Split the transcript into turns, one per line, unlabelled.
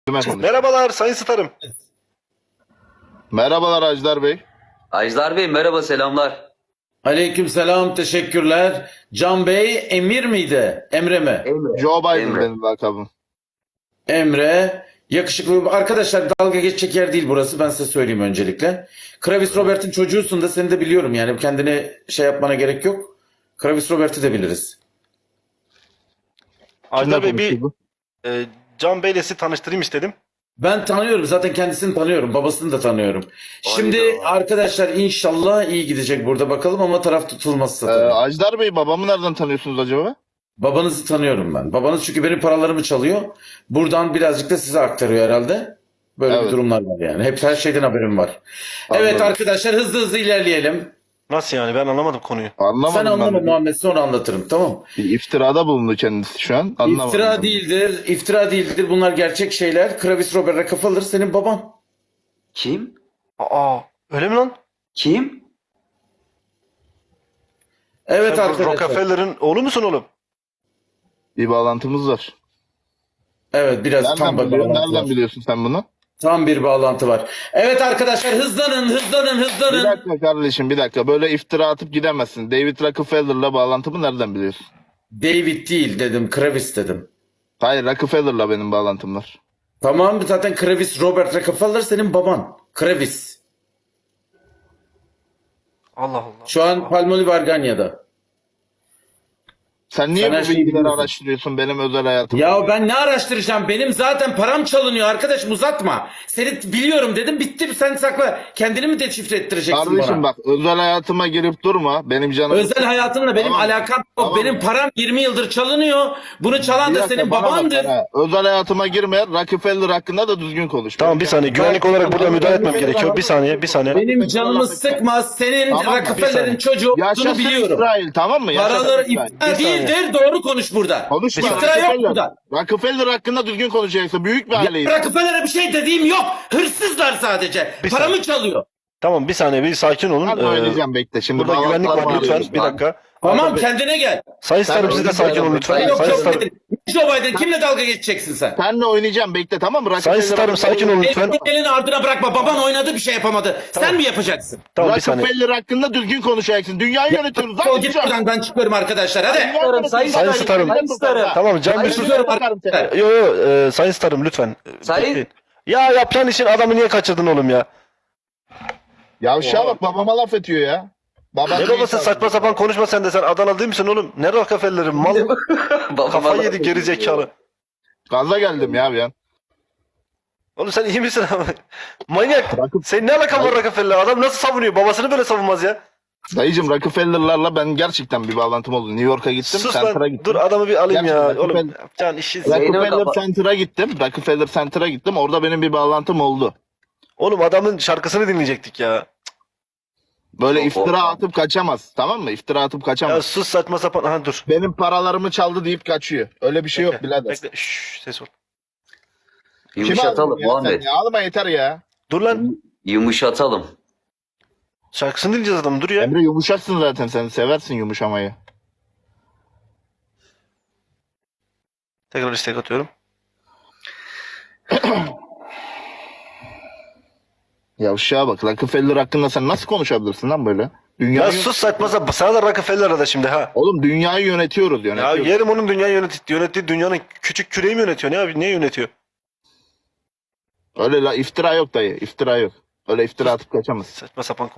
Merhabalar Sayın Starım.
Merhabalar Ajdar Bey.
Ajdar Bey merhaba, selamlar.
Aleykümselam, teşekkürler. Can Bey, Emir miydi? Emre mi?
Emre.
Joe Biden
Emre.
benim lakabım.
Emre. Yakışıklı. Arkadaşlar, dalga geçecek yer değil burası. Ben size söyleyeyim öncelikle. Kravis Robert'in çocuğusun da seni de biliyorum yani. Kendini şey yapmana gerek yok. Kravis Robert'i de biliriz.
Ajdar Bey bir
konuşuyordu?
Can Bey'le sizi tanıştırayım istedim.
Ben tanıyorum. Zaten kendisini tanıyorum. Babasını da tanıyorum. Şimdi
Hayda.
arkadaşlar inşallah iyi gidecek burada bakalım ama taraf tutulmazsa tabii.
Ajdar Bey babamı nereden tanıyorsunuz acaba?
Babanızı tanıyorum ben. Babanız çünkü benim paralarımı çalıyor. Buradan birazcık da size aktarıyor herhalde. Böyle
Evet.
bir durumlar var yani. Hep her şeyden haberim var. Evet
Anladım.
arkadaşlar, hızlı hızlı ilerleyelim.
Nasıl yani, ben anlamadım konuyu.
Anlamadım
Sen anlama
ben.
Muhammed, sonra anlatırım, tamam.
Bir iftirada bulundu kendisi şu an. Anlamadım.
İftira değildir, iftira değildir. Bunlar gerçek şeyler. Kravis Robert Rockefeller senin baban.
Kim?
Aa, öyle mi lan?
Kim?
Evet
Sen bu
arkadaşlar.
Rockefeller'ın oğlu musun oğlum?
Bir bağlantımız var.
Evet, biraz tam bir bağlantı
Nereden
var.
biliyorsun sen bunu?
Tam bir bağlantı var. Evet arkadaşlar, hızlanın, hızlanın,
Bir
hızlanın.
dakika kardeşim, bir dakika. Böyle iftira atıp gidemezsin. David Rockefeller'la bağlantımı nereden biliyorsun?
David değil dedim, Kravis dedim.
Hayır, Rockefeller'la benim bağlantım var.
Tamam, zaten Kravis Robert Rockefeller senin baban. Kravis.
Allah Allah.
Şu an Palmolive Arganya'da.
Sen niye
Sen her
bu
şeyi
bilgileri
biliyorsun.
araştırıyorsun benim özel hayatımda?
Ya ben ne araştıracağım? Benim zaten param çalınıyor arkadaşım, uzatma. Seni biliyorum dedim, bitti, sen sakla. Kendini mi deşifre ettireceksin
Kardeşim
bana?
bak, özel hayatıma girip durma. Benim canım...
Özel hayatımla benim
Tamam.
alakam yok.
Tamam.
Benim param 20 yıldır çalınıyor. Bunu çalan
Bir
da
dakika,
senin
bana bak
babandır.
bana. Özel hayatıma girme. Rockefeller hakkında da düzgün konuş.
Tamam, bir saniye, güvenlik olarak burada müdahale etmem gerekiyor. Bir saniye, bir saniye.
Benim canımı sıkma. Senin
Tamam mı?
Rockefeller'in
Bir
çocuğu olduğunu
Yaşasın
biliyorum.
İsrail, tamam mı? Yaşasın
Paraları
İsrail.
iftira
Bir saniye.
değildir. Doğru konuş burada.
Konuşma.
İftira yok burada.
Rockefeller hakkında düzgün konuşacaksın. Büyük bir aileyiz.
Rockefeller'e bir şey dediğim yok. Hırsızlar sadece.
Bir
Paramı
saniye.
çalıyor.
Tamım, bir saniye, bir sakin olun.
Ben oynayacağım, bekle. Şimdi
Burada güvenlik var,
bağlantılar
lütfen
bağlıyoruz.
bir dakika.
Tamam,
Ajdar Bey-
kendine gel.
Sayın Starım, siz de sakin olun lütfen.
Yok
Sayın
Joe
Starım,
Biden. Joe Biden kimle dalga geçeceksin sen?
Senle oynayacağım, bekle, tamam mı?
Sayın Starım, sakin olun lütfen.
Elini ardına bırakma. Baban oynadı, bir şey yapamadı. Sen mi yapacaksın?
Tamam, bir saniye.
Rockefeller hakkında düzgün konuşacaksın. Dünyayı yönetiyoruz.
Defol git buradan, ben çıkıyorum arkadaşlar. Hadi.
Sayın Starım. Tamam, Can bir sus. Yo yo, Sayın Starım lütfen.
Sayın-
Bekleyin. Ya yapacağın için adamı niye kaçırdın oğlum ya?
Yavşağa bak, babama laf ediyor ya. Baba
Ne babası, saçma sapan konuşma sen de, sen Adana değil misin oğlum? Ne Rockefeller'in mal? Kafayı yedi geri zekalı.
Gaza geldim ya bir an.
Oğlum sen iyi misin abi? Manyak. Senin ne alakan var Rockefeller? Adam nasıl savunuyor? Babasını böyle savunmaz ya.
Dayıcım, Rockefeller'larla ben gerçekten bir bağlantım oldu. New York'a gittim,
Sus
Center'a
lan.
gittim.
Dur adamı bir alayım ya.
Gerçekten
Oğlum
Rockefeller-
yapacağın işi.
Rockefeller
kapa-
Center'a gittim. Rockefeller Center'a gittim. Orada benim bir bağlantım oldu.
Oğlum adamın şarkısını dinleyecektik ya.
Böyle
Çok
iftira
korkma.
atıp kaçamaz. Tamam mı? İftira atıp
Ya
kaçamaz.
sus, saçma sapan. Aha dur.
Benim paralarımı çaldı deyip kaçıyor. Öyle bir şey yok
Bekle,
birader.
bekle. Şşş, ses ol.
Yumuşatalım
ya sen
Muhammed.
ya? Ağlama yeter ya.
Dur lan.
Yumuşatalım.
Şarkısını dinleyeceğiz adamın, dur ya.
Emre, yumuşaksın zaten sen. Seversin yumuşamayı.
Tekrar istek atıyorum.
Yavşağa bak. Rockefeller hakkında sen nasıl konuşabilirsin lan böyle?
Ya
Dünyayı...
sus, saçma sapan. Sana da Rockefeller'a da şimdi ha.
Oğlum dünyayı yönetiyoruz.
Ya
Yönetiyoruz.
yerim onun, dünyayı yönettiği dünyanın küçük küreği mi yönetiyor? Ne abi, ne yönetiyor?
Öyle iftira yok dayı. İftira yok. Öyle iftira atıp kaçamaz.
Saçma sapan